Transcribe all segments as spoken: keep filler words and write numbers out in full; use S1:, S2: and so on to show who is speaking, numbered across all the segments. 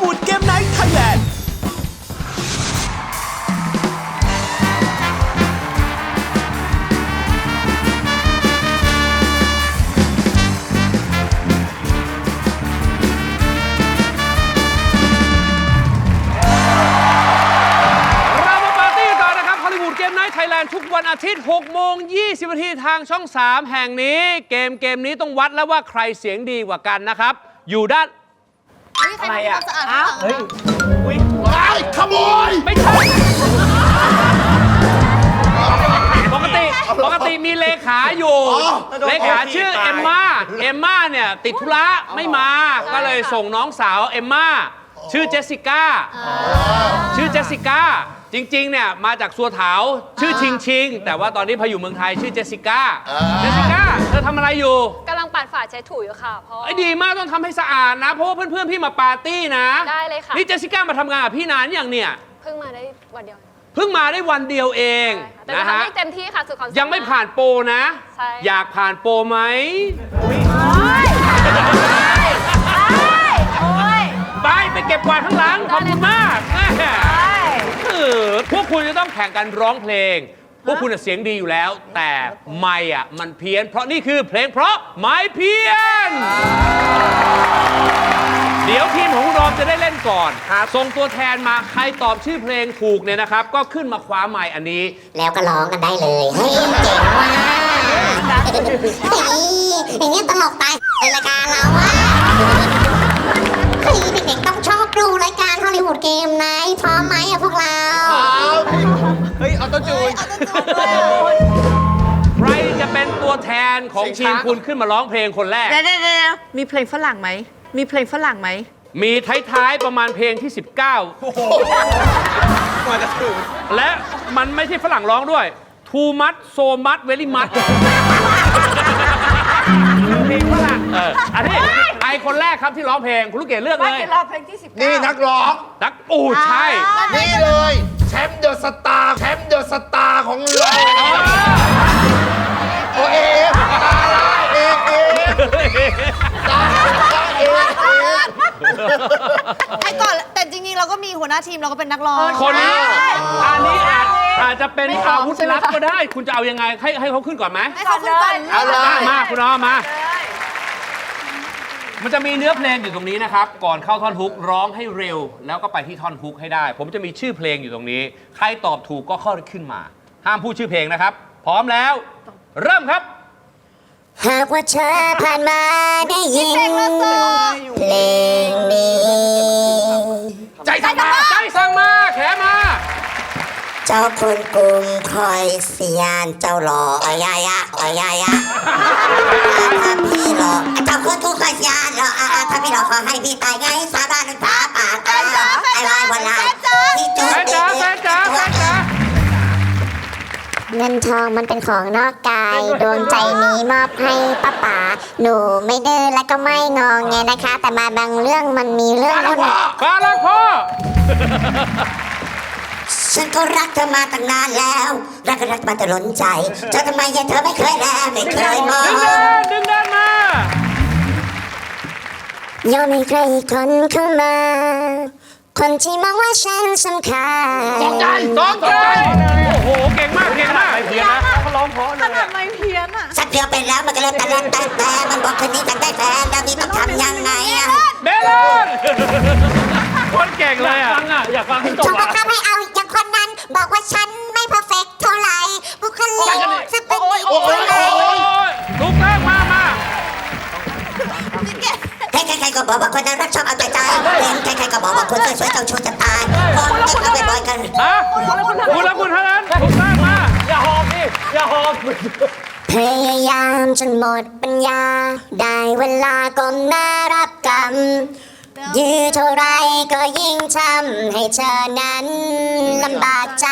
S1: วูดเกมไนท์ไทยแลนด์
S2: ไทยแลนด์ทุกวันอาทิตย์หกโมงยี่สิบนาทีทางช่องสามแห่งนี้เกมเกมนี้ต้องวัดแล้วว่าใครเสียงดีกว่ากันนะครับอยู่ด้านอะไรอ่ะอ้าวเฮ้ยอุ้ยว้ายขโมยไม่ใช่ปกติปกติมีเลขาอยู่เลขาชื่อเอมม่าเอมม่าเนี่ยติดธุระไม่มาก็เลยส่งน้องสาวเอมม่าชื่อเจสสิก้าชื่อเจสสิก้าจริงๆเนี่ยมาจากสัวเถาชื่อชิงชิงแต่ว่าตอนนี้พออยู่เมืองไทยชื่อเจสสิก้าเจสสิก้าเธอทำอะไรอยู่
S3: กำลังปัดฝาเช็ดถูอยู่ค่ะพ่อ
S2: ไอ้ดีมากต้องทำให้สะอาดนะเพราะว่าเพื่อนๆพี่มาปาร์ตี้นะ
S3: ได้เลยค่ะ
S2: นี่เจสสิก้ามาทำงานกับพี่นานอย่างเนี่ย
S3: เพิ่งมาได้วันเดียว
S2: เพิ่งมาได้วันเดียวเอง
S3: นะฮะเต็มที่ค่ะสุดความ
S2: ยังไม่ผ่านโปรนะอยากผ่านโปรไหมไปไปเก็บกวาดข้างหลังขอบคุณมากพวกคุณจะต้องแข่งกันร้องเพลงพวกคุณเสียงดีอยู่แล้วแต่ไมค์อ่ะมันเพี้ยนเพราะนี่คือเพลงเพราะไมค์เพี้ยนเดี๋ยวทีมของคุณรอมจะได้เล่นก่อนส่งตัวแทนมาใครตอบชื่อเพลงถูกเนี่ยนะครับก็ขึ้นมาคว้าไมค์อันนี้
S4: แล้วก็ร้องกันได้เลยเฮ้ยเจ๋งว่ะเฮ้ยอย่างนี้ตลกตายในรายการเราอ่ะเฮ้ยเด็กๆต้องชอบดูรายการฮอลลีวูดเกมไนท์พร้อมไหมอะพวกเรา
S1: เฮ้ยเอาต้นจูน
S2: ใครจะเป็นตัวแทนของทีมคุณขึ้นมาร้องเพลงคนแรก
S5: เดี๋ยวๆมีเพลงฝรั่งไหมมีเพลงฝรั่งไหม
S2: มีท้ายๆประมาณเพลงที่สิบเก้าและมันไม่ใช่ฝรั่งร้องด้วย too much so much very much เพลงฝรั่งเอออันนี้ไอคนแรกครับที่ร้องเพลงคุณลูกเกดเลือกเลย
S5: ร้องเพลงที่สิบ
S1: นี่นักร้อง
S2: นักอูใช่
S1: นี่เลยแชมป์เดอะสตาร์แชมป์เดอะสตาร์ของเราโอเอฟตาลาเอเอตาลาเอเอ
S5: ไอ้ก่อนแต่จริงๆเราก็มีหัวหน้าทีมเราก็เป็นนักร้อง
S2: คนนี้อันนี้อาจจะเป็นอาวุธลับก็ได้คุณจะเอายังไงให้ให้เขาขึ้นก่อนไหม
S5: ให้เขาขึ้นก่อน
S2: เอาเลยมาคุณน้องมามันจะมีเนื้อเพลงอยู่ตรงนี้นะครับก่อนเข้าท่อนฮุกร้องให้เร็วแล้วก็ไปที่ท่อนฮุกให้ได้ผมจะมีชื่อเพลงอยู่ตรงนี้ใครตอบถูกก็เข้าขึ้นมาห้ามพูดชื่อเพลงนะครับพร้อมแล้วเริ่มครับ
S4: หากว่าเธอผ่านมาได้ยินเพลงนี้
S2: ใจสั่งมาใจสั่งมาแขมา
S4: เจ้าคุณกรุงคอยเสียนเจ้าหล่ออ้ยายะอ้ยายะถ้าพี่หล่อเจ้าคุณกรุงคอยเสียนหล่อถ้าพี่หล่อขอให้พี่ตายไงสาบานฟ้าป่าตาไอ้ลายวันลายที่จุดแฟนจ๋าแฟนจ๋าแฟนจ๋าเงินทองมันเป็นของนอกกายดวงใจนี้มอบให้ป้าป๋าหนูไม่ดื้อและก็ไม่งองไงนะคะแต่มาบางเรื่องมันมีเรื่อง
S2: ฟ้ารักพ่อฟ้ารักพ่อ
S4: ฉันก็รักเธอมาตั้งนานแล้วรักก็รักมาแต่ล้นใจเธอทำไมยังเธอไม่เคยแลไม่เคยมอง
S2: ดึงด้านดึงด้านม
S4: ายอมให้ใครอีกคนเข้ามาคนที่มองว่าฉันสำคัญ
S2: สองใจสองใจโอ้โหเก่งมากเก่งมากไม่เพี้ยนนะเขาร้องเพราะเลย
S5: ขนาดไม่เพี้ยนอ่ะ
S4: สักเดียวไปแล้วมันก็เลยแต่ละแต่แต่มันบอกคืนนี้จะได้แฟนแล้วนี่ต้องทำยังไงอะ
S2: เบลลอนคนเก่งเลยอ่ะอยากฟังให้จบอ่ะ
S4: ทำให้เอาอย่างคนนั้นบอกว่าฉันไม่เพอร์เฟกต์เท่าไหร่บุคลิกจะเป็นอีกคนไหน
S2: ถูกต้องมามา
S4: ใครๆก็บอกว่าคนนั้นรักชอบเอาใจใจเป็นใครๆก็บอกว่าคนสวยๆเจ้าชู้จะตายคนที่เขาบ่อยๆกัน
S2: ฮะคุณแล้วคุณเท่านั้นถูกต้องมาอย่าหอบดิอย่าหอบ
S4: พยายามจนหมดปัญญาได้เวลาก้มหน้ารับกรรมยื้อเท่าไรก็ยิ่งทำให้เธอนั้นลำบากใจ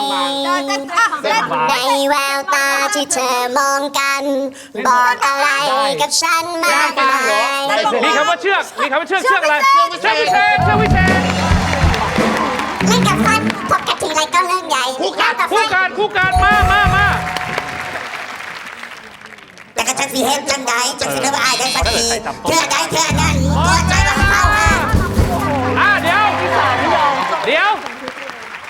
S4: ในแววตาที่เธอมองกันบอกอะไรกับฉันมากมาย
S2: มีคำว่าเชือกมีคำว่าเชือกเชือกอะไรเชือกวิเศษเชือกวิเศษ
S4: เล่นกับฟันพบกันทีไรก็เรื่องใหญ่
S2: คู่กันคู่กันคู่กันมามามา
S4: แต่ก็จะสีเห็นจังใดจะสีเลือดอายได้สักทีเธอได้เธอนั้นหัวใจมันเข้ามา
S2: อ่ะเดี๋ยว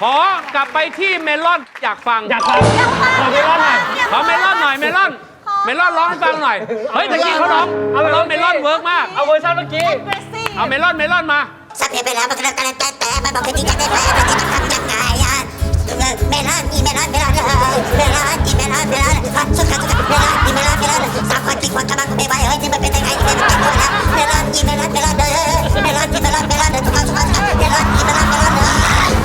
S2: ขอกลับไปที่เมลอนอยากฟัง
S6: อยากฟังขอเมลอนหน่อย
S2: ขอเมลอนหน่อยเมลอน เมลอนร้องให้ฟังหน่อย เฮ้ยตะกี้เขาร้องเอาร้องเมลอนเวิร์กมาก
S6: เอาเวอร์ชันเมื่อกี้
S2: เอาเมลอนเมลอนมา
S4: สับเพไปแล้วมันก็แล้วกันแต่แต่มันบอกคือจริงจังได้ไหมมันจะทำยังไงอะเมลอนอีเมลอนเมลอนเมลอนอีเมลอนเมลอนสุดท้ายสุดท้ายเมลอนอีเมลอนเมลอนสามคนกินคนกำลังไม่ไหวเฮ้ยนี่มันเป็นยังไงนี่มันเป็นตัวแล้วเมลอนอีเมลอนเมลอนเด้อเมลอนอีเมลอนเมลอนเด้อทุกคนทุกคนเมลอนอีเมลอนเมลอนเด้อ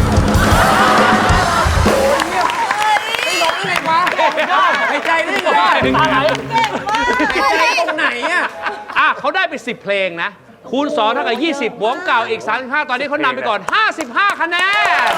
S6: หายใจได้ไงตาไหลหายใจตรงไหนอ่ะ
S2: อ่ะเขาได้ไปสิบเพลงนะ คูณสองเท่ากับยี่สิบบวกเก่าอีกสามสิบห้าตอนนี้เขานำไปก่อนห้าสิบห้าคะแนน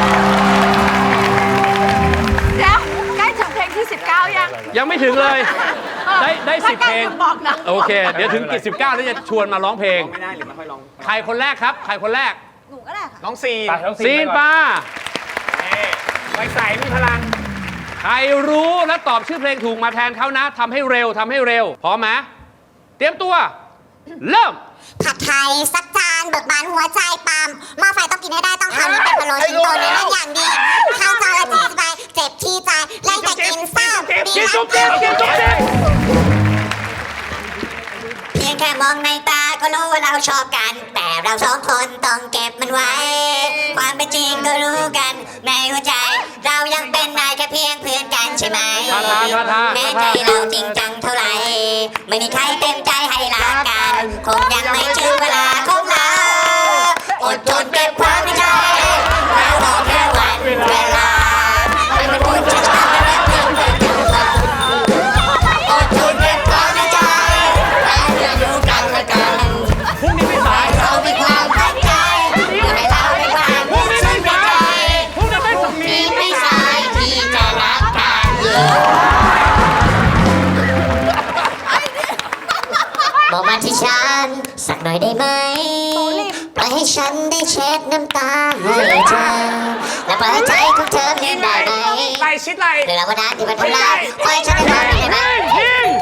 S3: เดี๋ยวใกล้ถึงเพลงที่สิบเก้ายัง
S2: ยังไม่ถึงเลย ได้ได้สิบเพลง
S3: ถ้าใกล้บอกนะ
S2: โอเค เดี๋ยวถึงกิจสิบเก้าแล้วจะชวนมาร้องเพลง
S6: ไม่ได้หรือไม่ค่อยร้อง
S2: ใครคนแรกครับ ใครคนแรก
S5: หนูก็ได้ค่ะ
S6: น้องซีน
S2: ซีนปา
S6: ไฟใสมีพลัง
S2: ใครรู้และตอบชื่อเพลงถูกมาแทนเขานะทำให้เร็วทำให้เร็ว พร้อมไหมเตรียมตัว เริ่ม
S4: ผัดไทยสักจานเบิกบานหัวใจปั๊มหม้อไฟต้องกินให้ได้ต้องทำให้เป็นพะโล้ชิ้นโตเนื้ออย่างดีข้าวจานละจีสบายเจ็บที่ใจไล่แต่กินเศร้าดี
S2: กิน
S4: นะ
S2: จุ๊บจิ๊บกินจุ๊บจิ๊บ
S4: เพียงแค่มองในตาก็รู้ว่าเราชอบกัน แต่เราสองคนต้องเก็บมันไว้ ความเป็นจริงก็รู้กันในหัวใจ เรายังเป็นนายแค่เพียงเพื่อนกันใช่ไหม
S2: ท่าทางท่าทาง
S4: แม้
S2: ท่า
S4: ใจ
S2: ทาง
S4: เราจริงจังเท่าไหร่ไม่มีใครเต็มใจให้รักกัน คงยังไม่ถึงเวลาของเราอดทนเก็บความในใจแล้วรอแค่วันเวลาให้มันพ้นจากฉันและเพื่อนเพื่อนกันอดทนเก็บความในใจและเพื่อนอยู่กันและกัน
S2: พรุ่งนี้ไม่สาย
S4: เรามีความตั้งใจให้เรามีความ
S2: พรุ่งนี้ไม่สายพรุ่งนี้ไม่สาย
S4: ที่ไม่สายที่จะรักกันบอกมาที่ฉันสักหน่อยได้ไหมปล่อยให้ฉันได้เช็ดน้ำตาให้เธอและปล่อยให้ใจของเธอเพียงได้ไหม
S6: ไหลชิดไหล
S4: หรือเราก็ได้ที่มันทำลายปล่อยฉันได้ไหมได้ไหม
S2: ยิง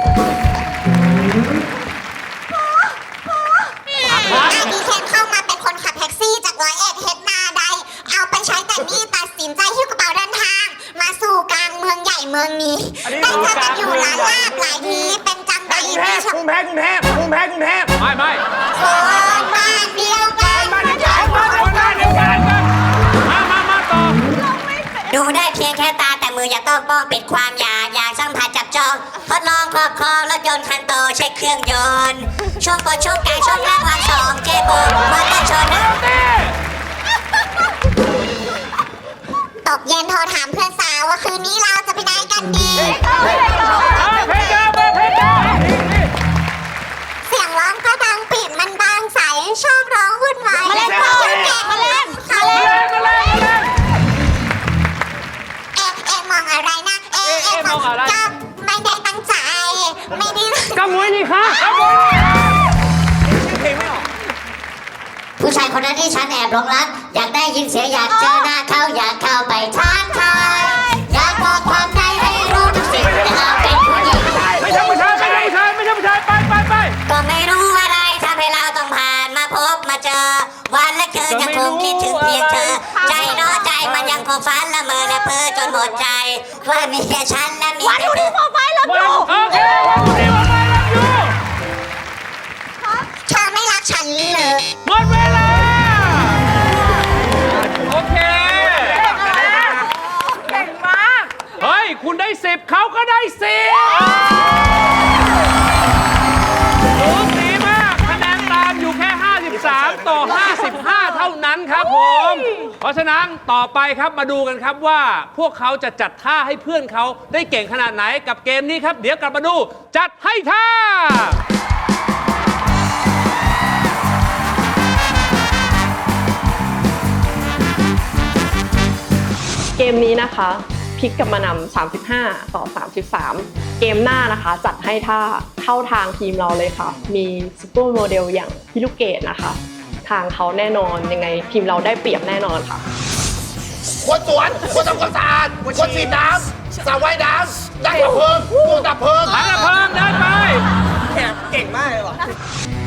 S4: ถ้าดีแคนเข้ามาเป็นคนขับแท็กซี่จากร้อยเอ็ดเฮดนาใดเอาไปใช้แต่นี่ตัดสินใจหิ้วกระเป๋าเดินทาง มาสู่กลางเมืองใหญ่เมืองนี้ได้เจอกันอยู่หลายลาบหลายทีเป็นจำใจ
S6: กรุงเท
S4: ที่
S6: พ
S4: ชอบ
S6: กรุงเทพกรุงเทพกรุงเทพกรุงเทพ
S2: ไม่ไม่
S4: คนบ้านเดียวกัน
S6: บ้านเดียวกันบ้านเดียวกัน
S2: มามามาต่อ
S4: ดูได้เพียงแค่ตาแต่มืออย่าต้องป้องปิดความอยากอยากสัมผัสจับจองทดลองครอบครองรถยนต์คันโตใช้เครื่องยนต์ช่วงปนช่วงกลางช่วงล่างวันสองเจโบมอเตอร์ชนตกเย็นโทรถามเพื่อนสาวว่าคืนนี้เราจะไปไหนกันดี
S2: เอาเพลงเดิมมาเพลงเดิม
S4: เสียงร้องก็ดังปิดมันบางใสชอบร้องวุ่นวายมาเล่นพ่อแก่มาเล่นมาเล่น
S2: มาเลยมาเลย
S4: เอ๊ะเอ๊ะมองอะไรนะเอ๊ะเอ๊ะมองก็ไม่ได้ตั้งใจไม่ได้
S2: กำมวยนี่ค่ะ
S6: เพลงไม่ออก
S4: ผู้ชายคนนั้นที่ฉันแอบหลงรักอยากได้ยินเสียงอยากเจอหน้าเขาอยากเข้าไปทักทายอยากบอกความในให้รู้ทุกสิ่งแต่เราเป็นผู้หญิง
S2: ไม่ใช่ผู้ชายไม่ใช่ผู้ชายไม่ใช่ผู้ชายไปไปไป
S4: ก็ไม่รู้อะไรทำให้เราต้องผ่านมาพบมาเจอ วันและคืนยังคงคิดถึงเพียงเธอ ใจน้อใจมันยังคงฝันละเมอและเพ้อจนหมดใจ ว่ามีแค่ฉันและมีแค่เธอ
S2: โอเควันนี้วันไปแล้วอยู่
S4: เธอไม่รักฉันเลย
S2: หมดเวลาโอเค
S3: เก่งมาก
S2: เฮ้ย คุณได้สิบเขาก็ได้สิบสูสีมากคะแนนตามอยู่แค่ ห้าสิบสาม ต่อ ห้าสิบห้า เท่านั้นครับผม เพราะฉะนั้นต่อไปครับมาดูกันครับว่า พวกเขาจะจัดท่าให้เพื่อนเขาได้เก่งขนาดไหนกับเกมนี้ครับ เดี๋ยวกลับมาดู จัดให้ท่า
S7: เกมนี้นะคะพลิกกลับมานำสามสิบห้า ต่อ สามสิบสาม เกมหน้านะคะจัดให้ท่าเข้าทางทีมเราเลยค่ะ มีซุปเปอร์โมเดลอย่างพี่ลูกเกดนะคะ ทางเขาแน่นอนยังไงทีมเราได้เปรียบแน่นอนค่ะ
S1: คนสวนคนทำความสะอาดคนฉีดน้ำสระว่ายน้ำนักดับเพลิงตัวดับเพลิง
S2: ถังดับเพลิงเดินไป
S6: แขกเก่งมากเลยว่ะ